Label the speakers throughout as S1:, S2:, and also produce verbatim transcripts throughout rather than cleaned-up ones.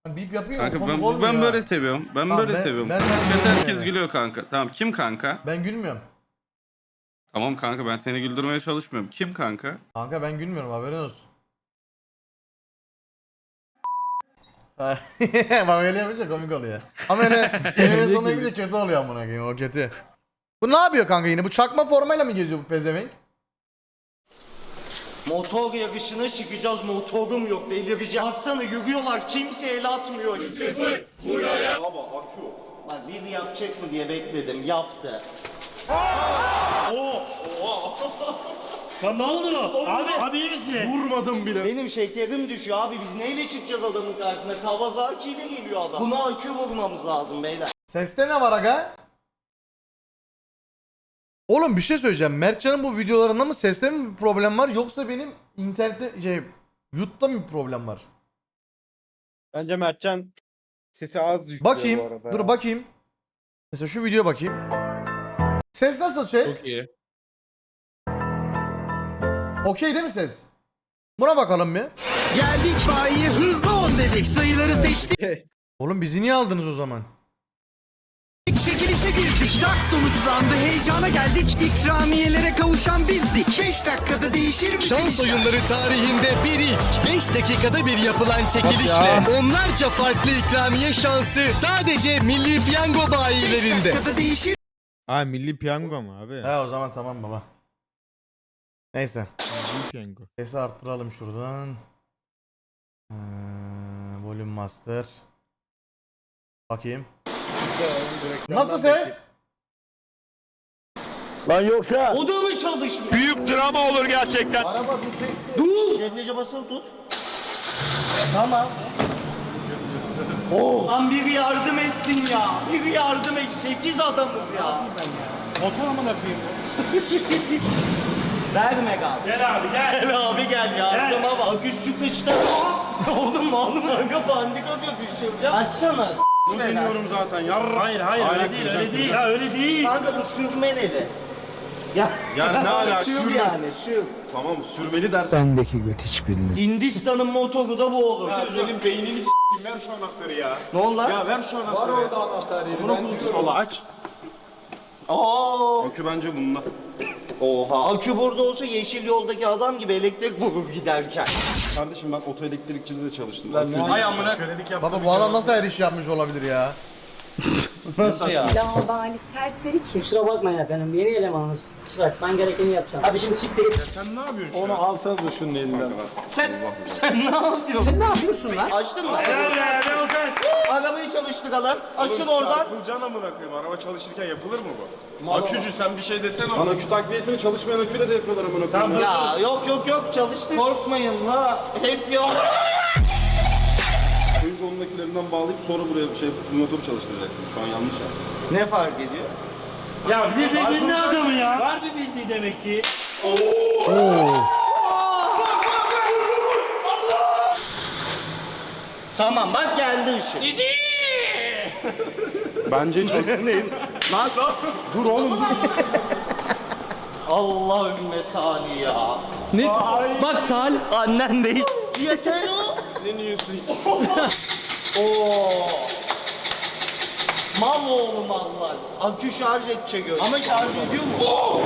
S1: Bip yapıyor
S2: Kanka
S1: mu?
S2: ben,
S1: Komik olmuyor
S2: ben
S1: ha.
S2: böyle seviyorum. Ben
S1: Tamam,
S2: böyle
S1: ben-
S2: seviyorum.
S1: ben- ben
S2: Chatte
S1: gülmüyorum
S2: herkes
S1: yani.
S2: gülüyor kanka. Tamam kim kanka?
S1: Ben gülmüyorum.
S2: Tamam kanka ben seni güldürmeye çalışmıyorum. Kim kanka?
S1: Kanka ben gülmüyorum, haberin olsun. Bak öyle yapınca komik oluyor. Ama öyle kelimenin sonuna gidince kötü oluyor amına koyayım, o kötü. Bu ne yapıyor kanka yine? Bu çakma formayla mı geziyor bu pezevenk?
S3: Motor yarışına çıkacağız, motorum yok, delireceğim. Baksana yürüyorlar, kimse el atmıyor. Buraya. Baba akü yok. Bak biri yapacak mı diye bekledim, yaptı.
S4: Ya ne oldu? Abi, abi iyi misin?
S3: Vurmadım bile. Benim şekerim düşüyor abi, biz neyle çıkacağız adamın karşısına? Kawasaki ile geliyor adam. Buna akü vurmamız lazım beyler.
S1: Seste ne var aga? Oğlum bir şey söyleyeceğim. Mertcan'ın bu videolarında mı seste mi bir problem var, yoksa benim internette şey YouTube'da mı bir problem var?
S5: Bence Mertcan sesi az yüklüyor bu
S1: Bakayım.
S5: arada
S1: Dur
S5: ya.
S1: bakayım. Mesela şu videoya bakayım. Ses nasıl şey?
S5: Çok iyi.
S1: Okey değil mi ses? Buna bakalım bir.
S6: Geldik bayiye hızlı on dedik. Sayıları seçtik.
S1: Oğlum bizi niye aldınız o zaman?
S6: Çekilişe girdik. Dak sonuçlandı. Heyecana geldik. İkramiyelere kavuşan bizdik. beş dakikada değişir mi?
S7: Şans oyunları tarihinde bir ilk. beş dakikada bir yapılan çekilişle onlarca farklı ikramiye şansı sadece Milli Piyango bayilerinde.
S6: beş dakikada değişir.
S5: Ha Milli Piyango mu abi?
S1: He o zaman tamam baba. Neyse.
S5: Milli Piyango.
S1: Sesi arttıralım şuradan. Ee, volume master. Bakayım. Nasıl ses?
S3: O da mı çalışmıyor?
S7: Büyük drama olur gerçekten.
S3: Dur! Debriyaja basılı tut. Tamam. Oh! Lan biri yardım etsin ya. Biri yardım et. Sekiz adamız ya.
S4: Motor amına koyayım.
S3: Verme gaz.
S4: Gel abi gel.
S3: Gel abi gel yardıma bak. Üstü kıçta. Oğlum oğlum aga pandik atıyor düşüreceğim. Açsana.
S5: Bilmiyorum zaten. Yarra.
S4: Hayır hayır öyle değil öyle değil. Ya öyle değil.
S3: Kanka bu sürme neli? Ya,
S5: Ya ne alaka?
S3: sür
S5: Sürme.
S3: yani sür.
S5: Tamam sürmeli dersin.
S6: Bendeki göt hiçbiriniz.
S3: Hindistan'ın motoru da bu olur.
S5: Senin beynini s**tim, ver şu anahtarı ya.
S3: Ne oldu lan?
S5: Ya ver şu anahtarı. Var orada anahtar yeri. Bunu kullanma. Aç.
S3: Aa!
S5: Akü bence bununla.
S3: Oha. Akü burada olsa yeşil yoldaki adam gibi elektrik vurup giderken.
S5: Kardeşim ben otoelektrikçide de çalıştım.
S4: Ay amına. Kölelik yap.
S1: Baba bu adam nasıl her iş yapmış olabilir ya?
S3: Nasıl ya?
S8: Lavabali serseri kim? Kusura bakmayın efendim, yeni elemanınız. Kusura bakmayın, ben gerekeni yapacağım. Abi şimdi siktir git.
S5: Sen ne yapıyorsun? Onu alsanız da şunun elinden.
S3: Sen, sen ne yapıyorsun?
S6: Sen ne yapıyorsun lan?
S3: Açtın mı?
S4: Gel be ne olacak?
S3: Arabayı çalıştıralım. Açıl oradan.
S5: Çarpılacaksın amına koyayım. Araba çalışırken yapılır mı bu? Akücü sen bir şey desene. Lan akü takviyesini çalışmayan aküyle de yapıyorlar amına koyayım.
S3: Ya yok yok yok çalıştır. Korkmayın la. Hep yok.
S5: Önce onun akülerinden bağlayıp sonra buraya şey motoru çalıştıracaktım. Şu an yanlış yaptım.
S3: Ne fark ediyor?
S4: Ya bir bildiğin ne adamı ya? Var bir bildiği demek ki.
S3: Tamam bak geldi ışık.
S5: Bence hiç
S3: Lan dur oğlum dur. Allahümme sali ya. Ne? Bak sal. Annen değil. Yeter o.
S5: ne diyorsun?
S3: Oo. Mal oğlu mallar. Akü şarj edecek öyle. Ama şarj ediyor mu?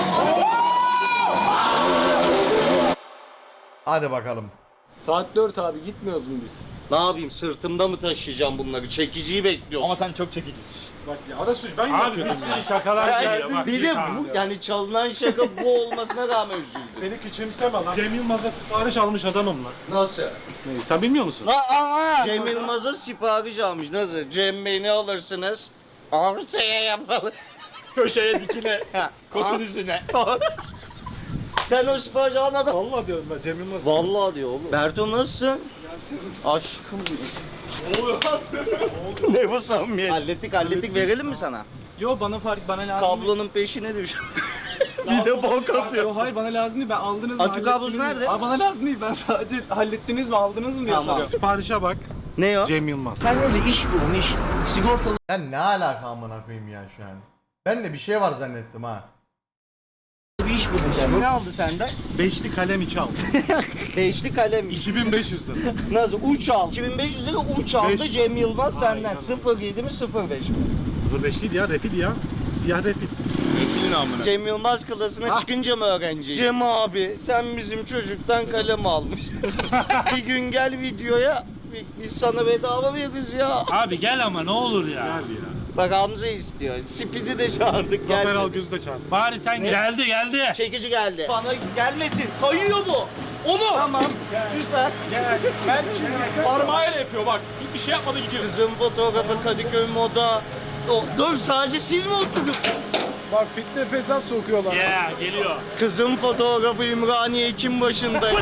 S1: Hadi bakalım.
S5: Saat dört abi gitmiyoruz mu biz?
S3: Ne yapayım sırtımda mı taşıyacağım bunları? Çekiciyi bekliyorum.
S5: Ama sen çok çekicisin. Bak ya Arasuç ben
S4: Abi bir sürü şakalar geliyor bak.
S3: bir de
S4: Tamam
S3: bu
S4: ya.
S3: yani çalınan şaka bu olmasına rağmen üzüldüm.
S5: Beni küçümseme lan.
S4: Cem Yılmaz'a sipariş almış adamım lan.
S3: Nasıl?
S4: Sen bilmiyor musun?
S3: Cem Yılmaz'a sipariş almış. Nasıl? Cem Bey ne alırsınız? Ortaya yapalım.
S4: Köşeye dikine.
S3: Ha,
S4: Kosun
S3: aa.
S4: üstüne.
S3: Sen o sipariş alan adam.
S4: Vallahi diyorum ben Cem Yılmaz.
S3: Vallahi diyor oğlum. Berto nasılsın? Aşkım benim.
S4: Ne oluyor lan?
S3: Ne bu samimiyet? Hallettik hallettik verelim mi sana?
S9: Yo bana fark bana lazım.
S3: Kablonun peşine düş. Bir de bok atıyor.
S9: Yo hayır bana lazım değil ben aldınız mı?
S3: Akü kablosu
S9: hallettiniz mi?
S3: nerede?
S9: Aa, bana lazım değil ben sadece hallettiniz mi aldınız mı diye
S3: Tamam.
S9: soruyorum.
S4: Siparişe bak.
S3: Ne o?
S4: Cem Yılmaz.
S6: Sen neyse iş bulun iş. Sigortalı.
S1: Ben ne alaka amına koyayım ya şu an. Ben de bir şey var zannettim ha.
S3: Bir iş bulacağım. Ne aldı senden?
S4: Beşli kalem içi al.
S3: Beşli kalem.
S4: iki bin beş yüz lira.
S3: Nasıl? Uç al. iki bin beş yüz lira uç aldı
S4: Beş.
S3: Cem Yılmaz senden. sıfır yedi mi sıfır beş mi?
S4: sıfır beş değil ya, refil ya. Siyah refil.
S5: Refilin amına.
S3: Cem Yılmaz klasına çıkınca mı öğrenci? Cem abi sen bizim çocuktan kalem almış. Bir gün gel videoya biz sana bedava veririz ya.
S4: Abi gel ama ne olur ya. Gel ya.
S3: Bak Hamza istiyor. Speed'i de çağırdık.
S4: Zafer
S3: geldi.
S4: Algöz'ü de çağırsın. Bari sen geldi geldi.
S3: Çekici geldi. Bana gelmesin. Kayıyor bu. Onu. Tamam. Süper.
S9: Parmağıyla yapıyor bak. Bir şey yapmadı gidiyor.
S3: Kızın fotoğrafı Kadıköy Moda. O, dur sadece siz mi oturup?
S5: Bak fitne fesat sokuyorlar.
S4: Ya geliyor.
S3: Kızın fotoğrafı Ümraniye Ekim başında.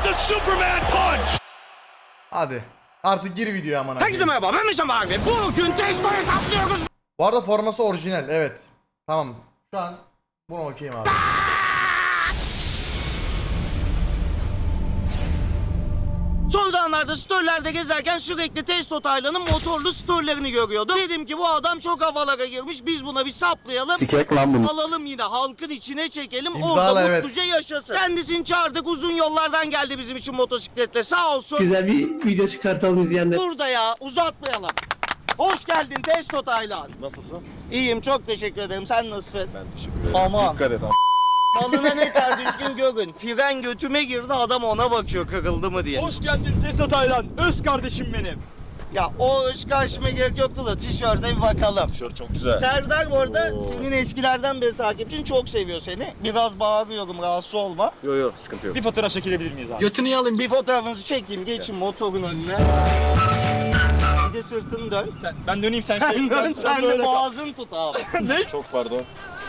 S1: Hadi. Artık gir videoya amına
S3: Herkese
S1: koyayım.
S3: merhaba ben Mesut abi. Bugün Testo hesaplıyoruz.
S1: Bu arada forması orijinal evet. Tamam. Şu an bunu okuyayım abi.
S3: Son zamanlarda storylerde gezerken sürekli Testo Taylan'ın motorlu storylerini görüyordum. Dedim ki bu adam çok havalara girmiş biz buna bir saplayalım.
S5: Sikek lan bunu.
S3: Alalım yine halkın içine çekelim
S1: İmzala,
S3: orada
S1: evet.
S3: mutluca yaşasın. Kendisini çağırdık uzun yollardan geldi bizim için motosikletle sağ olsun.
S8: Güzel bir video çıkartalım izleyenler.
S3: Burada ya uzatmayalım. Hoş geldin Testo Taylan.
S5: Nasılsın?
S3: İyiyim çok teşekkür ederim sen nasılsın?
S5: Ben teşekkür ederim.
S3: Aman.
S5: Dikkat et.
S3: Malına ne kadar düzgün görün. Fren götüme girdi adam ona bakıyor kırıldı mı diye.
S9: Hoş geldin Testo Taylan. Öz kardeşim benim.
S3: Ya o ışık açmaya gerek yoktu da tişörte bir bakalım.
S5: Tişört çok güzel.
S3: Serdar bu arada
S5: Oo.
S3: senin eskilerden beri takipçin çok seviyor seni. Biraz bağırıyorum rahatsız olma.
S5: Yo yo sıkıntı yok.
S9: Bir fotoğraf çekilebilir miyiz abi?
S8: Götünü alayım.
S3: Bir fotoğrafınızı çekeyim geçin motorun önüne. Bir de sırtını dön.
S9: Sen, ben döneyim sen şey.
S3: Sen dön sen de
S9: böyle kal.
S3: boğazını tut abi.
S5: Çok pardon.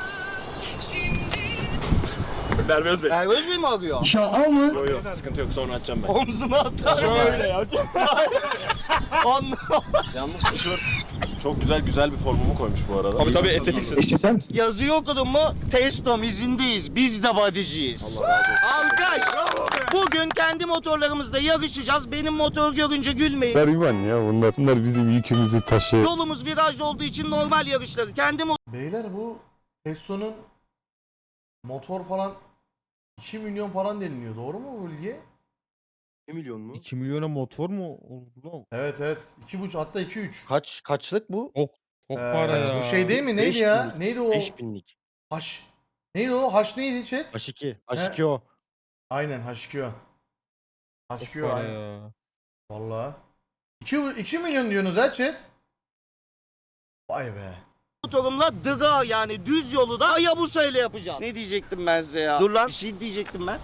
S5: Berber Özbey.
S3: Ergöz Bey mi arıyor?
S5: Yo yo sıkıntı yok sonra açacağım ben.
S3: Omzuna atar.
S9: Şöyle ya.
S3: Anladım.
S5: Yalnız tişört çok güzel güzel bir formumu koymuş bu arada. Tabii tabii estetiksin.
S3: Yazıyı okudun mu? Testom izindeyiz. Biz de bodyciyiz. Alkış. Bugün kendi motorlarımızla yarışacağız. Benim motor görünce gülmeyin.
S10: Gariban ya bunlar. Bunlar bizim yükümüzü taşıyor.
S3: Yolumuz virajlı olduğu için normal yarışları. Kendi
S1: Beyler bu Testo'nun motor falan iki milyon falan deniliyor. Doğru mu bu bilgi?
S5: iki milyon mu?
S10: iki milyona motor mu oldu?
S1: Evet evet. iki buçuk hatta iki üç.
S5: Kaç kaçlık bu?
S10: Çok
S1: Ee,
S10: para ya.
S1: Bu şey değil mi? Neydi
S5: Beş
S1: ya?
S5: binlik.
S1: Neydi o?
S5: binlik.
S1: Haş. Neydi o? Haş neydi chat?
S5: H iki.
S1: H iki
S5: o.
S1: Aynen H iki o. H iki
S10: Çok
S1: o
S10: para
S1: aynen.
S10: ya.
S1: Valla. iki milyon diyorsunuz ha chat. Vay be.
S3: motorumla dıga yani düz yolu da Hayabusa ile yapacağım. Ne diyecektim ben size ya? Dur lan. Bir şey diyecektim ben.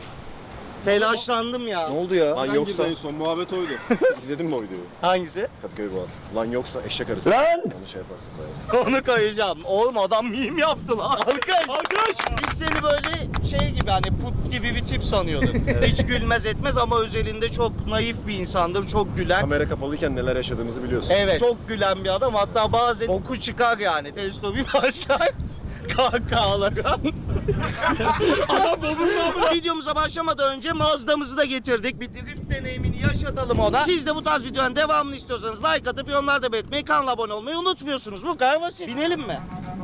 S3: Telaşlandım ya.
S5: Ne oldu ya? Lan
S3: Hangi
S5: yoksa
S3: bölüm?
S5: son muhabbet oydu. İzledin mi o videoyu?
S3: Hangisi?
S5: Kadıköy Boğaz. Lan yoksa eşek arısı.
S3: Lan!
S5: Onu şey yaparsın koyarsın.
S3: Onu koyacağım. Oğlum adam meme yaptı lan. Alkış. Alkış. Biz seni böyle şey gibi hani put gibi bir tip sanıyorduk. Hiç gülmez etmez ama özelinde çok naif bir insandır. Çok gülen.
S5: Kamera kapalıyken neler yaşadığımızı biliyorsun.
S3: Evet. Çok gülen bir adam. Hatta bazen oku çıkar yani. Testo bir başlar. Kahkahalara. Adam bozuldu. Videomuza başlamadan önce Mazda'mızı da getirdik. Bir drift deneyimini yaşatalım ona. Siz de bu tarz videonun devamını istiyorsanız like atıp yorumlarda belirtmeyi, kanala abone olmayı unutmuyorsunuz. Bu kadar basit. Binelim mi?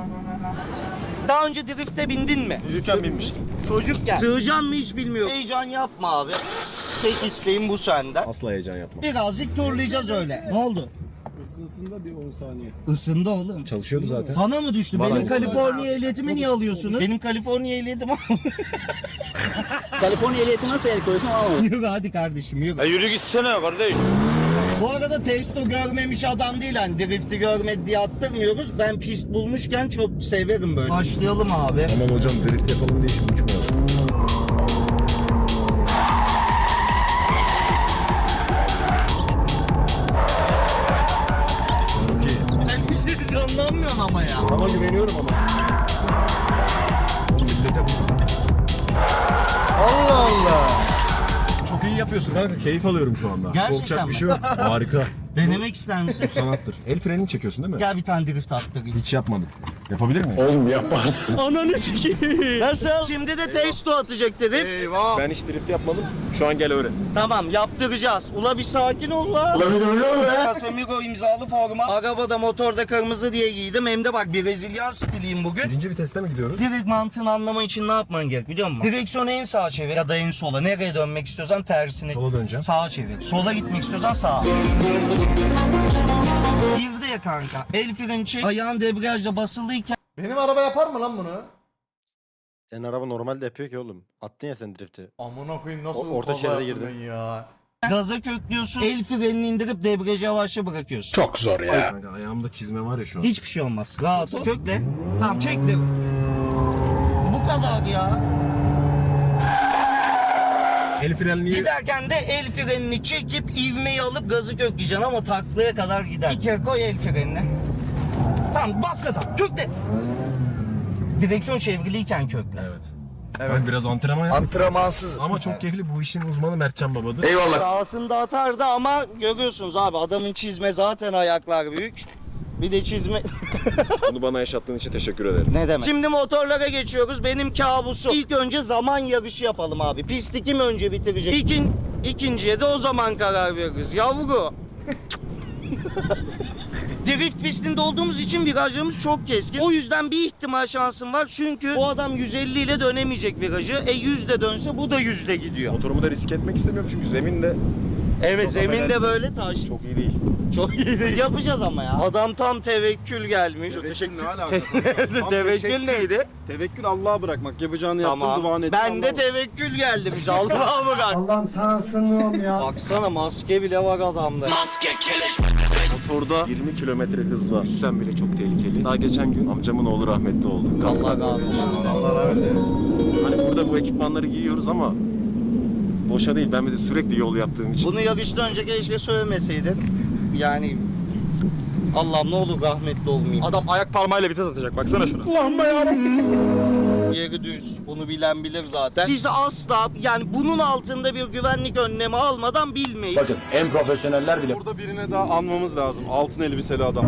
S3: Daha önce drifte bindin mi?
S5: Çocukken binmiştim.
S3: Çocukken. Sığacan mı hiç bilmiyorum. Heyecan yapma abi. Tek isteğim bu senden.
S5: Asla heyecan yapma.
S3: Birazcık turlayacağız öyle. Ne oldu?
S5: Isınsında bir on saniye.
S3: Isındı oğlum.
S5: Çalışıyordu zaten.
S3: Sana mı düştü?
S5: Bana
S3: Benim
S5: düştü.
S3: Kaliforniya ehliyetimi niye alıyorsunuz? Benim Kaliforniya ehliyetim
S8: Kaliforniya ehliyeti nasıl el koyuyorsun anlamadım.
S3: Yürü hadi kardeşim yürü.
S5: E yürü gitsene kardeş.
S3: Bu arada Testo görmemiş adam değil hani drifti görmedi diye attırmıyoruz. Ben pist bulmuşken çok severim böyle. Başlayalım abi.
S5: Aman hocam drift yapalım diye şimdi uçmayalım.
S3: Sen bir şey canlanmıyorsun ama ya.
S5: Sana güveniyorum ama.
S1: Allah Allah.
S5: Çok iyi yapıyorsun kanka. Keyif alıyorum şu anda.
S3: Gerçekten
S5: Korkacak
S3: mi?
S5: bir şey yok. Harika.
S3: Denemek ister misin?
S5: Sanattır. El frenini çekiyorsun değil mi?
S3: Gel bir tane drift attırayım.
S5: Hiç yapmadım. Yapabilir miyim? Oğlum yaparsın.
S3: Ananı sikeyim. Nasıl? Şimdi de Testo atacak drift.
S1: Eyvah.
S5: Ben hiç drift yapmadım. Şu an gel öğret.
S3: Tamam yaptıracağız. Ula bir sakin ol la. Ula bir sakin ol be. Casemiro imzalı forma. Arabada motorda kırmızı diye giydim. Hem de bak Brezilyan stiliyim bugün.
S10: Birinci viteste mi gidiyoruz?
S3: Direkt mantığını anlaman için ne yapman gerek biliyor musun? Direksiyonu en sağa çevir ya da en sola. Nereye dönmek istiyorsan tersine.
S10: Sola döneceğim.
S3: Sağa çevir. Sola gitmek istiyorsan sağa. Bir de ya kanka. El freni çek. Ayağın debriyajla basılıyken
S1: Benim araba yapar mı lan bunu?
S10: Senin araba normalde yapıyor ki oğlum. Attın ya sen drifti.
S1: Amına koyayım nasıl
S10: O- orta
S1: kaza
S10: şeride
S1: yaptım
S10: girdim.
S1: ben ya.
S3: gaza köklüyorsun. El frenini indirip debriyajı yavaşça bırakıyorsun.
S10: Çok zor ya. Kanka ayağımda çizme var ya şu an.
S3: Hiçbir şey olmaz. Rahat ol. Kökle. Tamam çektim. Bu kadar ya.
S10: El frenliği...
S3: Giderken de el frenini çekip ivmeyi alıp gazı kökleyeceksin ama taklaya kadar gider. Bir kere koy el frenini. Tamam bas gaza. Kökle. Direksiyon çevriliyken kökle.
S10: Evet. Ben biraz antrenman yaptım.
S3: Antrenmansız.
S10: Ama çok keyifli. Bu işin uzmanı Mertcan babadır.
S3: Sağsında atardı ama görüyorsunuz abi adamın çizme zaten ayaklar büyük. Bir de çizme...
S10: Bunu bana yaşattığın için teşekkür ederim.
S3: Ne demek? Şimdi motorlara geçiyoruz. Benim kabusum. İlk önce zaman yarışı yapalım abi. Pisti kim önce bitirecek? İkin, ikinciye de o zaman karar veririz. Yavru. Drift pistinde olduğumuz için virajlarımız çok keskin. O yüzden bir ihtimal şansım var. Çünkü bu adam yüz elli ile dönemeyecek virajı. E yüz de dönse bu da yüzde gidiyor.
S10: Motorumu da risk etmek istemiyorum çünkü zemin de
S3: Evet
S10: Çok
S3: zemin de
S10: affedersin.
S3: böyle taş.
S10: çok iyi değil.
S3: Çok iyi değil. Yapacağız ama ya. Adam tam tevekkül gelmiş.
S5: Tevekkül ne alaka? Tam
S3: Tevekkül neydi?
S5: Tevekkül Allah'a bırakmak. Yapacağını yaptın,
S3: Tamam.
S5: duanı ettin.
S3: Ben de
S5: Allah'a-
S3: tevekkül geldi bize. Allah'a bırak.
S6: Allah'ım sana sığınıyorum ya.
S3: Baksana maske bile var adamda.
S10: Motorda yirmi kilometre hızla yüzsen bile çok tehlikeli. Daha geçen gün amcamın oğlu rahmetli oldu. Kask
S3: Allah
S10: takmadı.
S3: razı olsun.
S1: Allah rahmet eylesin.
S10: Hani burada bu ekipmanları giyiyoruz ama boşa değil. Ben bir de sürekli yol yaptığım için.
S3: Bunu yarıştan önce keşke söylemeseydin. Yani Allah'ım ne olur rahmetli olmayayım.
S9: Adam ayak parmağıyla vites atacak. Baksana şuna.
S3: Yeri düz. Bunu bilen bilir zaten. Siz asla yani bunun altında bir güvenlik önlemi almadan bilmeyin.
S5: Bakın en profesyoneller bile. Burada birine daha anmamız lazım. Altın elbiseli adam.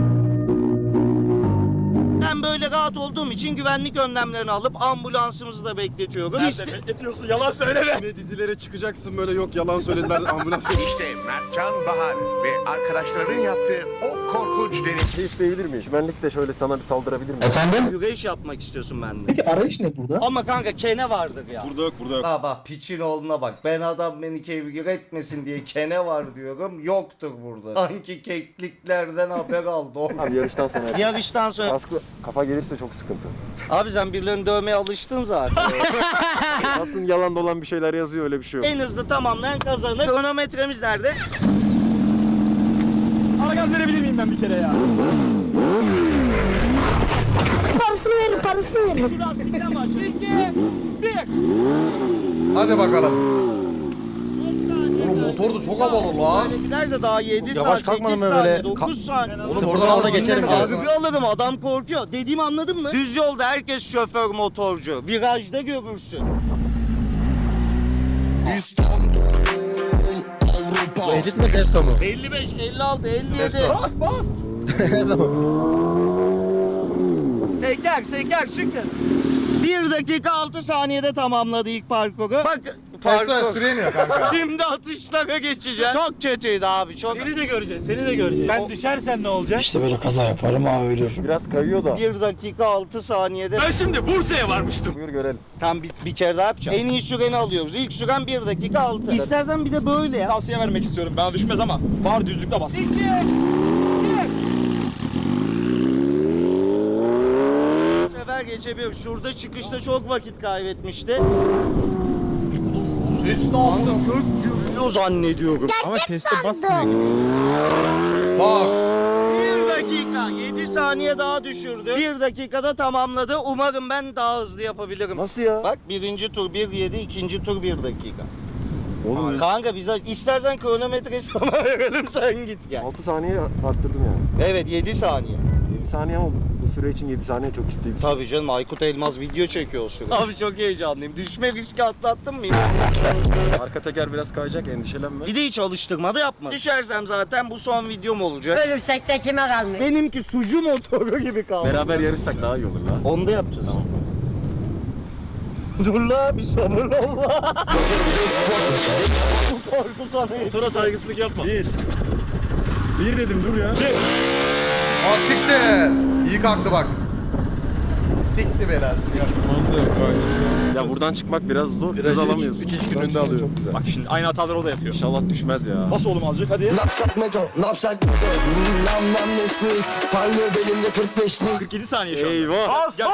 S3: Ben böyle rahat olduğum için güvenlik önlemlerini alıp ambulansımızı da bekletiyorum. İşte-
S9: Nerede bekletiyorsun? Yalan söyleme.
S5: Yine dizilere çıkacaksın böyle yok yalan söylediler ambulans.
S11: İşte Mertcan Bahar ve arkadaşlarının yaptığı o korkunç deneyim.
S10: Şey isteyebilir miyim? Çimenlik de şöyle sana bir saldırabilir miyim?
S3: Güreş yapmak istiyorsun benden.
S6: Peki arayış ne burada?
S3: Ama kanka kene vardır ya.
S5: Burada yok burada yok.
S3: Ha bak piçin oğluna bak. Ben adam beni kevgir etmesin diye kene var diyorum. Yoktur burada. Sanki kekliklerden haber aldı.
S10: Abi yarıştan sonra yap.
S3: Yarıştan sonra.
S10: Kaskı kafa gelirse çok sıkıntı.
S3: Abi sen birilerini dövmeye alıştın zaten.
S10: Aslında yalan dolan bir şeyler yazıyor öyle bir şey yok.
S3: En hızlı tamamlayan kazanır. Kronometremiz nerede?
S9: Ara gaz verebilir miyim ben bir kere ya?
S8: Parasını verin, parasını verin.
S9: Şu lastikten başla. İki, bir.
S1: Hadi bakalım. Oğlum motor da çok havalı lan.
S3: Böyle giderse daha yedi
S10: Yavaş
S3: saat,
S10: kalkmadım
S3: sekiz
S10: ben
S3: saniye,
S10: böyle.
S3: dokuz saniye.
S1: Oğlum oradan alda geçerim
S3: Abi
S1: diyorsun.
S3: bir alırım adam korkuyor. Dediğimi anladın mı? Düz yolda herkes şoför motorcu. Virajda görürsün.
S10: Bu edit mi testo mu?
S3: elli beş, elli altı, elli yedi.
S9: Bas bas.
S10: Ne zaman?
S3: Seker seker çıkın. bir dakika altı saniyede tamamladı ilk parkuru. Bak
S1: Testo
S3: parkur.
S1: süremiyor kanka.
S3: Şimdi atışlara geçeceğim. Çok kötüydü abi çok.
S4: Seni de göreceğiz, seni de göreceğiz. Ben düşersen ne olacak?
S6: İşte böyle kaza yaparım abi ölür.
S10: Biraz kayıyor da.
S3: bir dakika altı saniyede.
S6: Ben şimdi Bursa'ya varmıştım.
S10: Buyur görelim.
S3: Tam bir, bir kere daha yapacağım. En iyi süreni alıyoruz. İlk süren bir dakika altı. İstersen bir de böyle ya.
S9: Tavsiye vermek istiyorum. Bana düşmez ama. Var düzlükte bas.
S3: Bu sefer geçebiliyor. Şurada çıkışta çok vakit kaybetmişti.
S1: Bu ses ne amına?
S3: Gök gürlüyor zannediyorum.
S10: Ama teste basmıyor.
S1: Bak.
S3: Bir dakika. yedi saniye daha düşürdü. Bir dakikada tamamladı. Umarım ben daha hızlı yapabilirim.
S10: Nasıl ya?
S3: Bak birinci tur bir yedi, ikinci tur bir dakika.
S10: Oğlum
S3: Kanka bize istersen kronometre sana verelim sen git gel.
S10: altı saniye arttırdım yani.
S3: Evet yedi saniye.
S10: yedi saniye oldu. Bu süre için yedi saniye çok ciddi bir süre.
S3: Tabii canım Aykut Elmaz video çekiyor o sırada. Abi çok heyecanlıyım. Düşme riski atlattın mı?
S10: Arka teker biraz kayacak endişelenme.
S3: Bir de hiç alıştırma da yapma. Düşersem zaten bu son videom olacak.
S8: Ölürsek de kime kalmış?
S3: Benimki sucu motoru gibi kaldı.
S10: Beraber yarışsak daha iyi olur la.
S3: Onu da yapacağız. Dur la bir sabır ol la. Bu korku sana yeter.
S10: Motora saygısızlık yapma. Bir.
S5: Bir dedim dur ya.
S1: Aa siktir. İyi kalktı bak. Sikti belası.
S10: Ya buradan çıkmak biraz zor. Hız
S5: Virajı
S10: alamıyorsun.
S5: üç iki gününde alıyorum.
S10: Çok güzel.
S9: Bak şimdi aynı hataları o da yapıyor.
S10: İnşallah düşmez ya.
S9: Bas oğlum azıcık hadi. kırk yedi saniye şu anda.
S10: Eyvah.
S9: Bas bas.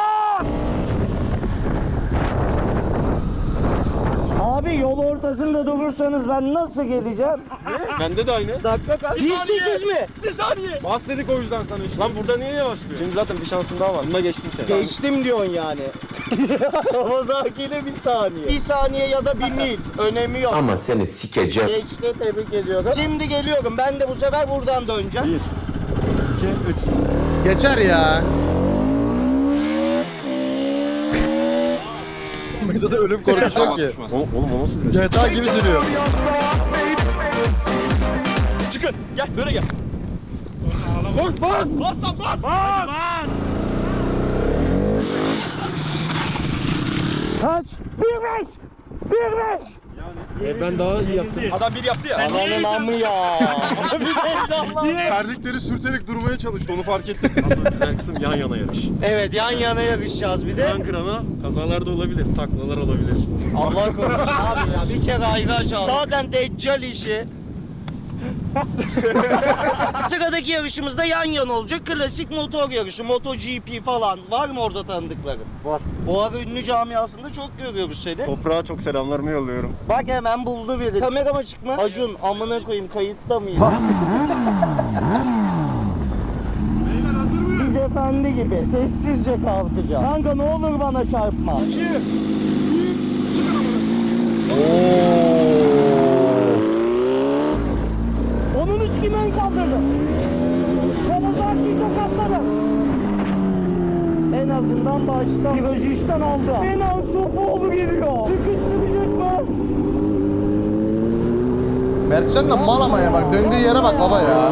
S3: Abi yol ortasında durursanız ben nasıl geleceğim?
S10: Bende de aynı.
S3: Dakika kaç?
S9: Bir saniye.
S3: bir sekiz mi?
S9: Bir saniye.
S5: Bas dedik o yüzden sana işte.
S10: Lan burada niye yavaşlıyor? Şimdi zaten bir şansın daha var. Bunda geçtim seni.
S3: Geçtim diyorsun yani. Kawasaki bir saniye. Bir saniye ya da bir mil. Önemi yok.
S11: Ama seni sikeceğim.
S3: Geçti, tebrik ediyorum. Şimdi geliyorum. Ben de bu sefer buradan döneceğim.
S10: Bir, iki, üç.
S1: Geçer ya.
S5: Medo'da ölüm korkusu yok ki.
S10: Oğlum, oğlum o nasıl bir
S5: G T A gibi sürüyor.
S9: Çıkın. Gel böyle gel. Koş bas. Bas lan bas. Bas.
S3: Kaç? Bir beş! Bir beş!
S10: E ben daha iyi yaptım.
S9: Adam bir yaptı ya.
S3: Ananın amı ya. Bir de heyecanlandım.
S5: Terlikleri sürterek durmaya çalıştı onu fark ettim.
S10: Asıl güzel kısım yan yana yarış.
S3: Evet, yan yana yarışacağız bir de.
S10: Kıran kırana kazalar da olabilir, taklalar olabilir.
S3: Allah korusun abi ya. Bir kere ayraç aldım. Zaten deccal işi. Sıradaki yarışımızda yan yana olacak. Klasik motor yarışı. MotoGP falan. Var mı orada tanıdıkların?
S5: Var.
S3: Bu ara ünlü camiasında çok görüyoruz seni.
S5: Toprağa çok selamlarımı yolluyorum.
S3: Bak hemen buldu biri. Kamerama çıkma. Acun amına koyayım kayıtta mıyız? Biz efendi gibi sessizce kalkacağız. Kanka ne olur bana çarpma. Onun üstü ben kaldırdım. Kawasaki'yi tokatladım. En azından başta virajı işten aldı. Kenan Sofuoğlu geliyor. Sıkıştıracak mı?
S1: Mertcan da mal ama ya bak. Döndüğü yere bak baba ya.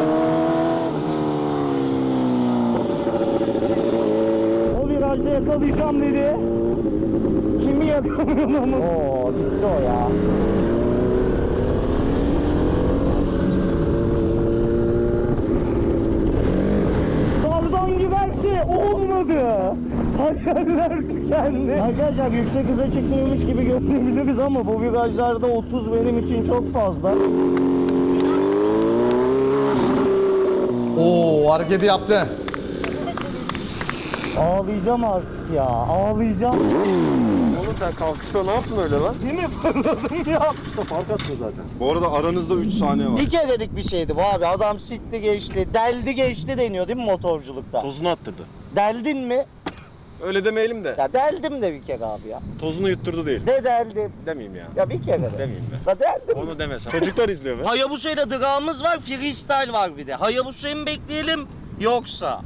S3: O virajda yakalayacağım dedi. Kimi yakalıyor ama? Oo gitti o ya. Daldan giderse olmadı. Hayaller tükendi. Arkadaşlar yüksek hıza çıkmıyormuş gibi görünebiliriz ama bu virajlarda otuz benim için çok fazla.
S1: Oo hareketi yaptı.
S3: Ağlayacağım artık ya. Ağlayacağım.
S10: Oğlum sen kalkışta ne yaptın öyle lan?
S3: Değil mi fırladım ya?
S10: İşte fark attın zaten.
S5: Bu arada aranızda üç saniye var.
S3: Bir kerelik bir şeydi bu abi. Adam sikti geçti. Deldi geçti deniyor değil mi motorculukta?
S10: Tozunu attırdı.
S3: Deldin mi?
S10: Öyle demeyelim de.
S3: Ya deldim de bir kere abi ya.
S10: Tozunu yutturdu değil.
S3: De deldim.
S10: Demeyeyim ya.
S3: Ya bir kere de.
S10: Demeyeyim ben.
S3: Ya deldim.
S10: Onu demesen. Çocuklar izliyor be.
S3: Hayabusa'yla drağımız var, freestyle var bir de. Hayabusa'yı mı bekleyelim yoksa?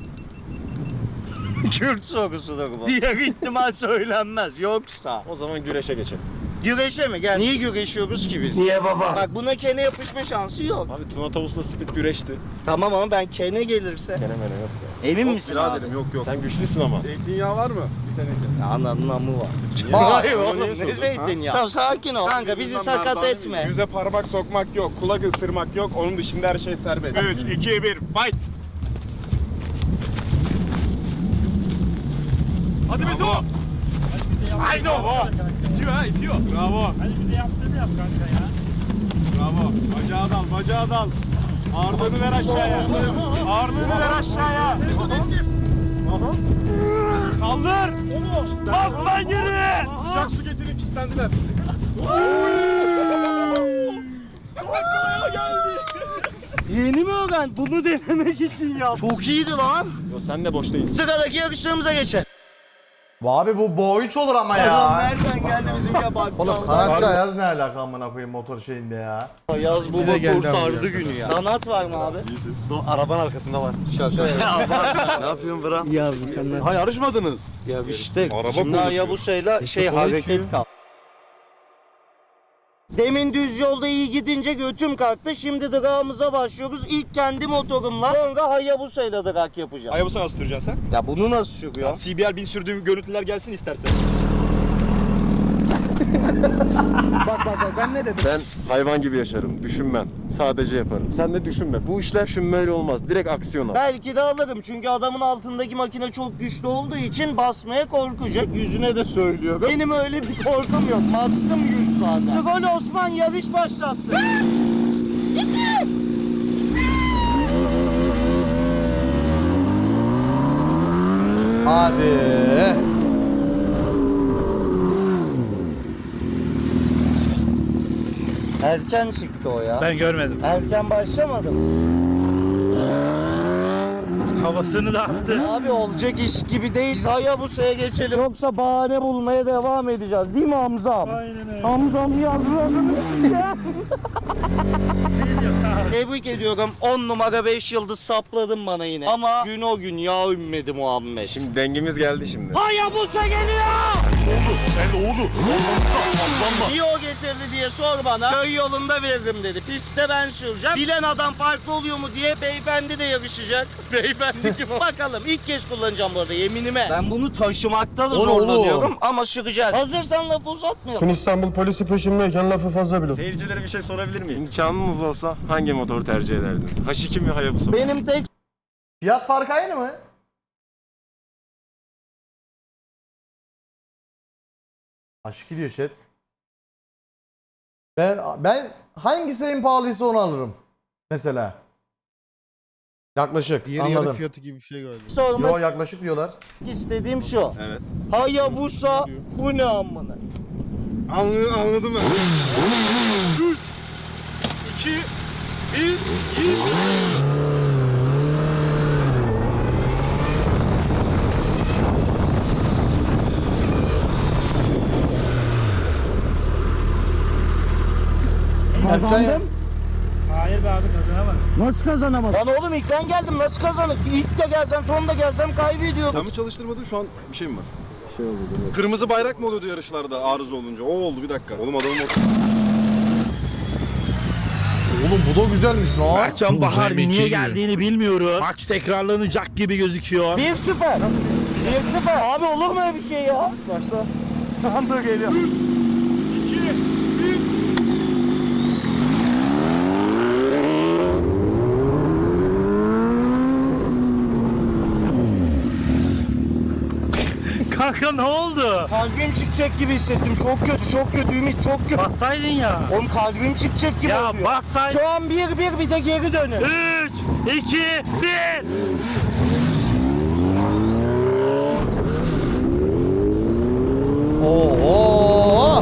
S3: Kürt sorusudur bu. Diğer ihtimal söylenmez yoksa.
S10: O zaman güreşe geçelim.
S3: Güreşe mi? Gel. Niye güreşiyoruz ki biz?
S11: Niye baba?
S3: Bak buna kene yapışma şansı yok.
S10: Abi Tuna Tavus'la Split güreşti.
S3: Tamam ama ben kene gelirse.
S10: Gene mene yok ya.
S3: Emin misin abi?
S5: Biraderim yok yok.
S10: Sen güçlüsün ama.
S5: Zeytinyağı var mı? Bir teneke.
S3: Ya ananın amı var.
S1: Aa,
S3: Hayır
S5: onu
S3: oğlum
S5: niye
S3: ne
S5: sordun,
S3: zeytinyağı? Tamam sakin ol. Kanka bizi sakat etme.
S9: Yüze parmak sokmak yok, kulak ısırmak yok. Onun dışında her şey serbest. üç, iki, bir, fight! Hadi Beto! Haydi o! İtiyor ha, itiyor. Bravo.
S4: Hadi bir de yaptığını yap kanka ya.
S9: Bravo. Bacağı dal, bacağı dal. Ağırlığını ver aşağıya. Ağırlığını ver aşağıya. Kaldır. Bas lan geri.
S5: Sıcak su getirin kilitlendiler.
S9: Arkaya geldi.
S3: Yeni mi öğrendin? Bunu denemek için ya. Çok iyiydi lan.
S10: Yo sen de boş değilsin.
S3: Sıradaki yarışlarımıza geçelim.
S1: Abi bu boy üç olur ama
S3: Adam
S1: ya.
S3: nereden geldi bizimle bak.
S1: Oğlum kanatçı Ayaz ne alaka amına koyayım motor şeyinde ya.
S3: Yaz baba
S5: Yine geldi
S3: kurtardı
S5: abi
S3: günü ya. Kanat var mı abi?
S5: Arabanın arkasında var.
S3: Şaka ya.
S5: Ne yapıyorsun Bra?
S3: Ya mükemmel.
S5: Ha yarışmadınız.
S3: Ya işte
S5: Araba
S3: şimdi
S5: konuşuyor.
S3: Hayabusa'yla şey hareket kal. Demin düz yolda iyi gidince götüm kalktı. Şimdi drag'ımıza başlıyoruz. İlk kendi motorumla. Sonra Hayabusa'yla drag yapacağım.
S9: Hayabusa nasıl süreceksin sen?
S3: Ya bunu nasıl sürüyor?
S9: C B R bin sürdüğüm görüntüler gelsin istersen.
S3: Bak bak bak ben ne dedim?
S10: Ben hayvan gibi yaşarım, düşünmem. Sadece yaparım. Sen de düşünme. Bu işler düşünmeyle olmaz. Direkt aksiyon al.
S3: Belki de alırım çünkü adamın altındaki makine çok güçlü olduğu için basmaya korkacak. Yüzüne de söylüyorum. Benim öyle bir korkum yok. Maksim yüz zaten. Gol Osman yarış başlatsın.
S1: Hadi.
S3: Erken çıktı o ya.
S4: Ben görmedim.
S3: Erken başlamadım.
S4: Havasını da attı.
S3: Abi olacak iş gibi değil. Hayabusa'ya geçelim. Yoksa bahane bulmaya devam edeceğiz. Değil mi Hamzam?
S4: Aynen öyle.
S3: Hamzam yardımcı ya. Tebrik ediyorum. on numara beş yıldız sapladın bana yine. Ama gün o gün ya ümmedi Muhammed.
S10: Şimdi dengimiz geldi şimdi.
S3: Hayabusa geliyor! Sen oğlu! Niye o getirdi diye sor bana. Köy yolunda veririm dedi. Pistte ben süreceğim. Bilen adam farklı oluyor mu diye beyefendi de yarışacak. Beyefendi kim o? Bakalım ilk kez kullanacağım bu arada yeminime. Ben bunu taşımakta da
S1: Oğlum,
S3: zorlanıyorum
S1: oğlum.
S3: ama süreceğiz. Hazırsan lafı uzatmayalım.
S5: Tüm İstanbul polisi peşimdeyken lafı fazla bile.
S10: Seyircilere bir şey sorabilir miyim? İmkanınız olsa hangi motoru tercih ederdiniz? H iki mi Hayabusa mı?
S3: Benim tek
S1: Fiyat farkı aynı mı? Aşk gidiyor chat. Ben ben hangisi en pahalıysa onu alırım. Mesela. Yaklaşık. Anladım.
S5: fiyatı gibi bir şey galiba.
S3: sormak
S1: Yo yaklaşık diyorlar.
S3: istediğim şu.
S5: Evet.
S3: Hayabusa bu ne amına?
S5: Anladım, anladım ben. üç, iki, bir,
S3: Kazandım.
S4: Hayır be abi kazanamadım.
S3: Nasıl kazanamadım? Lan oğlum ilk ben geldim nasıl kazanık? İlk de gelsem sonunda gelsem kaybediyorum.
S5: Sen mi çalıştırmadın şu an bir şey mi var? Bir şey oldu. Kırmızı bayrak mı oluyordu yarışlarda arıza olunca? O oldu bir dakika. Oğlum adamın motoru.
S1: Oğlum bu da güzelmiş lan.
S4: Mertcan Bahar niye geldiğini bilmiyorum. Maç tekrarlanacak gibi gözüküyor.
S3: bir sıfır. bir sıfır. Abi olur mu öyle bir şey ya? Başla. Tamam dur geliyor.
S5: iki, bir.
S4: Kanka ne oldu?
S3: Kalbim çıkacak gibi hissettim. Çok kötü, çok kötü Ümit, çok kötü.
S4: Bassaydın ya.
S3: Oğlum kalbim çıkacak gibi
S4: Ya
S3: oluyor.
S4: bassaydın.
S3: Şu an bir bir bir de geri dönün.
S4: üç, iki, bir.
S1: Oo.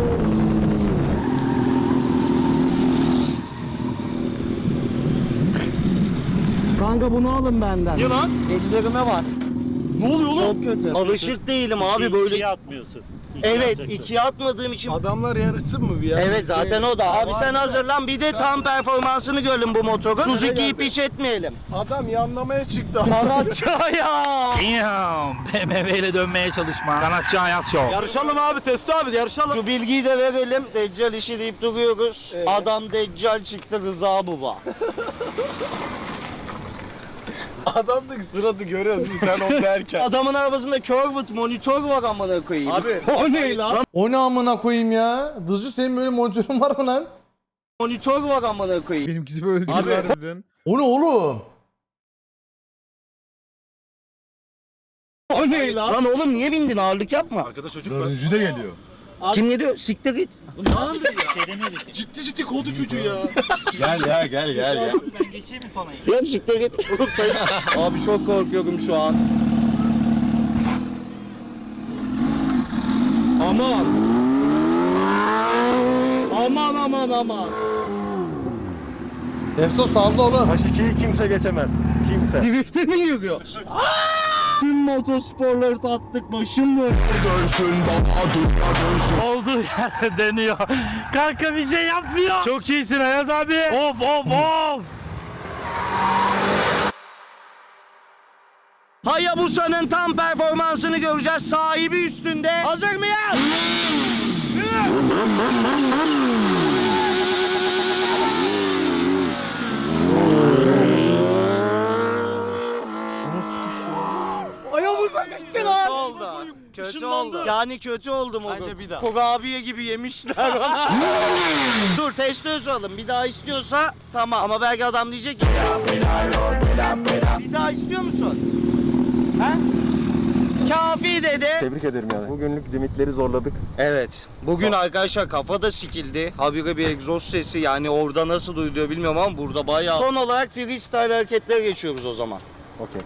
S3: Kanka bunu alın benden.
S4: Ne lan?
S3: Ellerime var.
S4: Ne oluyor oğlum?
S3: Çok kötü. Alışık değilim abi böyle.
S4: İkiye atmıyorsun. İkiye
S3: Evet,
S4: atacaksın.
S3: ikiye atmadığım için.
S5: Adamlar yarışsın mı bir ya?
S3: Evet zaten o da. Abi sen hazırlan bir de tam performansını görelim bu motoru. Suzuki'yi piç etmeyelim.
S5: Adam yanlamaya çıktı.
S3: Karatçaya.
S4: Damn. B M W ile dönmeye çalışma. Sanatçı Ayaz Show.
S5: Yarışalım abi Testo abi yarışalım.
S3: Şu bilgiyi de verelim. Deccal işi deyip duruyoruz. Adam Deccal çıktı Rıza Baba.
S5: Adam da sıradı görüyor musun sen onu derken.
S3: Adamın arabasında curved monitör var amına koyayım.
S5: Abi.
S3: O ne lan?
S1: O ne amına koyayım ya? Dızcı senin böyle monitörün var mı lan?
S3: Monitör var amına koyayım.
S5: Benimkisi böyle değil harbiden.
S1: O ne oğlum?
S3: O ne lan? Lan oğlum niye bindin ağırlık yapma.
S5: Arkada çocuk var. Dördüncü de geliyor.
S3: Kim geliyor? Siktir git.
S4: Bu ne oldu ya? Şey demedik.
S5: Ciddi ciddi kovdu çocuğu ya. gel ya gel gel gel.
S4: Ben geçeyim mi sonra?
S3: Yok siktir git. Oğlum sen- Abi çok korkuyorum şu an. Aman. Aman aman aman.
S1: Testo saldı oğlum.
S10: H ikiyi kimse geçemez. Kimse.
S3: Drift'e mi yürüyor? Tüm motosporları tattık başım döndü.
S4: Olduğu yerde dönüyor. Kanka bir şey yapmıyor. Çok iyisin Ayaz abi. Of of of.
S3: Hayabusa'nın tam performansını göreceğiz. Sahibi üstünde. Hazır mıyız? Hayabusa gitti lan. Kötü
S4: Işınlandı.
S3: oldu. Yani kötü oldum o
S10: Bence
S3: gün.
S10: bir daha.
S3: Kurabiye gibi yemişler bana. Dur testi alın. Bir daha istiyorsa tamam. Ama belki adam diyecek ki. Bir daha istiyor musun? Ha? Kafi dedi.
S10: Tebrik ederim yani. Bugünlük limitleri zorladık.
S3: Evet. Bugün arkadaşlar kafa da sikildi. Habire bir egzoz sesi yani orada nasıl duyuluyor bilmiyorum ama burada bayağı. Son olarak freestyle hareketlere geçiyoruz o zaman.
S10: Okey.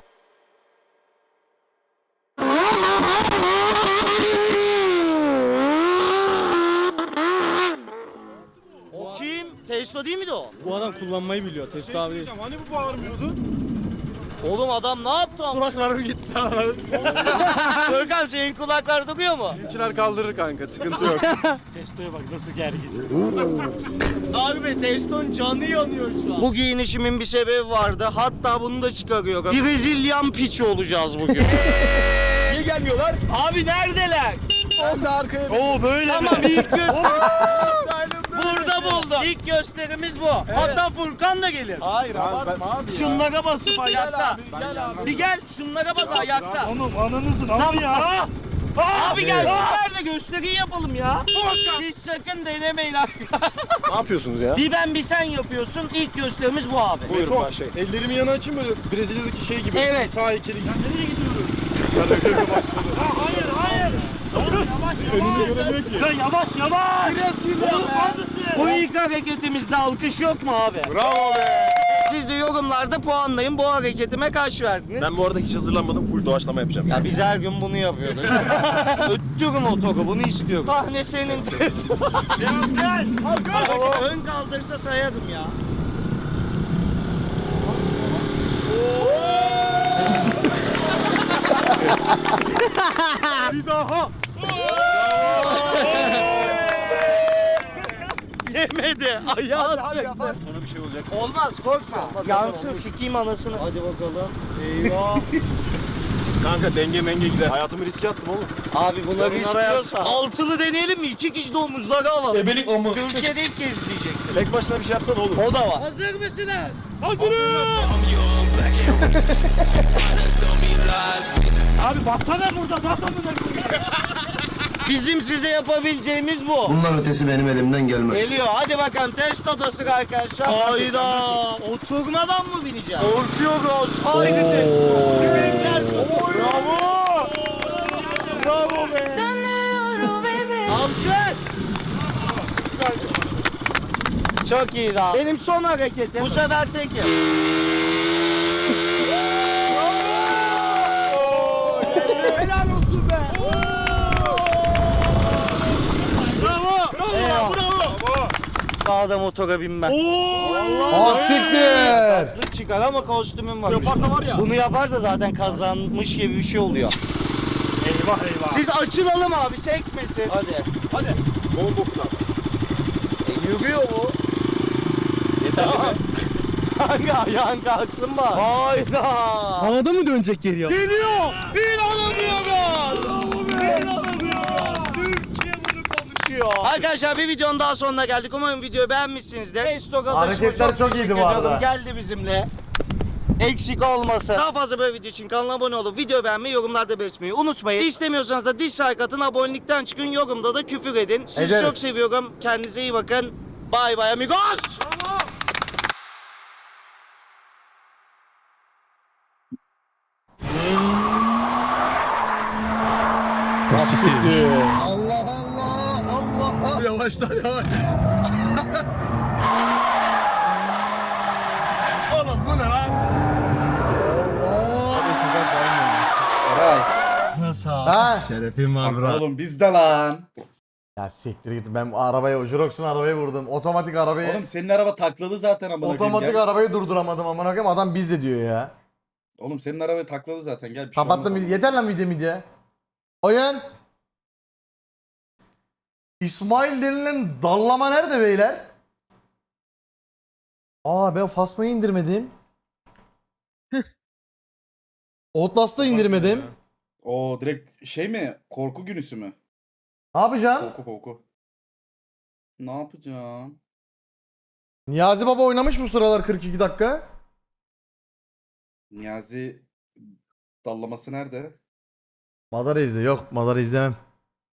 S3: O kim? Testo değil miydi o?
S4: Bu adam kullanmayı biliyor. Testo abi değil.
S5: Hani bu bağırmıyordu?
S3: Oğlum adam ne yaptı?
S5: Kulaklarım gitti.
S3: Görkem senin kulaklar duyuyor mu?
S5: Bizimkiler kaldırır kanka, sıkıntı yok.
S4: Testo'ya bak nasıl gergin.
S3: Harbi Testo'nun canı yanıyor şu an. Bu giyinişimin bir sebebi vardı. Hatta bunu da çıkarıyorum. Brezilyan piçi olacağız bugün.
S5: Niye gelmiyorlar?
S3: Abi neredeler?
S5: Ben de arkaya
S4: Oo böyle
S3: Tamam
S4: mi?
S3: ilk gösterimiz burada buldum. İlk gösterimiz bu. Hatta Furkan da gelir.
S5: Hayır abartma abi ya.
S3: Şunlara basıp ayakta.
S5: abi, gel abi.
S3: Bir gel şunlara bas ayakta.
S4: Oğlum ananızın ama ya.
S3: Abi gelsinler de gösteriyi yapalım ya. Siz sakın denemeyin abi.
S10: Ne yapıyorsunuz ya?
S3: Bir ben bir sen yapıyorsun. İlk gösterimiz bu abi.
S10: Buyurun başlayın.
S5: Ellerimi yana açayım böyle Brezilya'daki şey gibi.
S3: Evet.
S5: Sağ heykeli gibi.
S4: Nereye gidiyoruz? Ha, hayır hayır.
S5: Önünü göremiyor ki.
S4: Ya yavaş yavaş. Oğlum neredesin?
S3: Bu ilk hareketimizde alkış yok mu abi?
S5: Bravo be.
S3: Siz de yorumlarda puanlayın. Bu hareketime kaç verdiniz?
S10: Ben bu arada hiç hazırlanmadım. Full doğaçlama yapacağım.
S3: Ya biz her gün bunu yapıyoruz. Öttürüm o toku, bunu istiyorum. Sahne senin.
S4: Devam gel.
S3: Ön kaldırsa sayarım ya.
S4: Bir daha.
S3: Yemedi. Ayağı düştü.
S10: Sonra bir şey olacak.
S3: Olmaz korkma. Yansın sikeyim anasını. Hadi bakalım. Eyvah.
S10: Kanka denge menge gider. Hayatımı riske attım oğlum.
S3: Abi bunları
S10: Yorumlara yaz.
S3: istiyorsa. Altılı deneyelim mi? İki kişi de omuzları alalım. Ebelik omuz. Türkiye'de ilk kez izleyeceksin.
S10: Tek başına bir şey yapsan olur.
S3: O da var.
S8: Hazır mısınız?
S4: Abi baksana burada baksana.
S3: Bizim size yapabileceğimiz bu.
S10: Bunlar ötesi benim elimden gelmez.
S3: Geliyor. Hadi bakalım test odası arkadaşlar. Hayda. Oturmadan mı bineceğim? Korkuyoruz. Haydi test. Bravo. Bravo be. Alkış. Çok iyi daha. Benim son hareketim. Bu sefer tekim. Helal olsun be. Bravo. Bravo. Bravo. Daha da motora binmem.
S1: Ah siktir.
S3: Tatlı çıkar ama kostümüm var.
S4: Yaparsa var ya.
S3: Bunu yaparsa zaten kazanmış gibi bir şey oluyor.
S4: Eyvah eyvah.
S3: Siz açılalım abi sekmesin. Hadi.
S4: Hadi.
S5: Bol boktan.
S3: E, yürüyor bu. Yeter mi? Kanka ayağın kalksın bak. Hayda.
S4: Havada mı dönecek geriye?
S3: Geliyor. İnanamıyoruz. İnanamıyoruz. Türkiye bunu konuşuyor. Arkadaşlar bir videonun daha sonuna geldik. Umarım videoyu beğenmişsinizdir. Esto kardeşime
S1: Hareketler çok
S3: teşekkür
S1: iyiydi bu arada.
S3: ediyorum. Geldi bizimle. Eksik olmasın. Daha fazla böyle video için kanala abone olup video beğenmeyi, yorumlarda belirtmeyi unutmayın. İstemiyorsanız da dislike atın, abonelikten çıkın, yorumda da küfür edin. Sizi
S1: Ederiz.
S3: çok seviyorum. Kendinize iyi bakın. Bye bye amigos.
S1: Ah siktir.
S5: Allah Allah Allah. Yavaşlar yavaş. Oğlum bu ne lan? Allah.
S1: Eray.
S5: Nasıl?
S1: Ha?
S5: Şerefim var bro. Oğlum bizde lan.
S1: Ya siktir git, ben arabaya, Jurox'un arabayı vurdum. Otomatik arabayı,
S5: Oğlum senin araba takladı zaten amına koyayım.
S1: otomatik
S5: Gel.
S1: arabayı durduramadım amına koyayım, adam bizde diyor ya.
S5: Oğlum senin araba takladı zaten gel bir şey
S1: Kapattım,
S5: olmaz.
S1: yeter lan video midye. Oyun. İsmail denilen dallama nerede beyler? Aa ben Fasma'yı indirmedim. Outlast'ı indirmedim.
S5: Oo direkt şey mi? Korku günüsü mü?
S1: Ne yapacağım?
S5: Korku korku. Ne yapacağım?
S1: Niyazi Baba oynamış bu sıralar kırk iki dakika.
S5: Niyazi dallaması nerede?
S1: Madara izle. Yok Madara izlemem.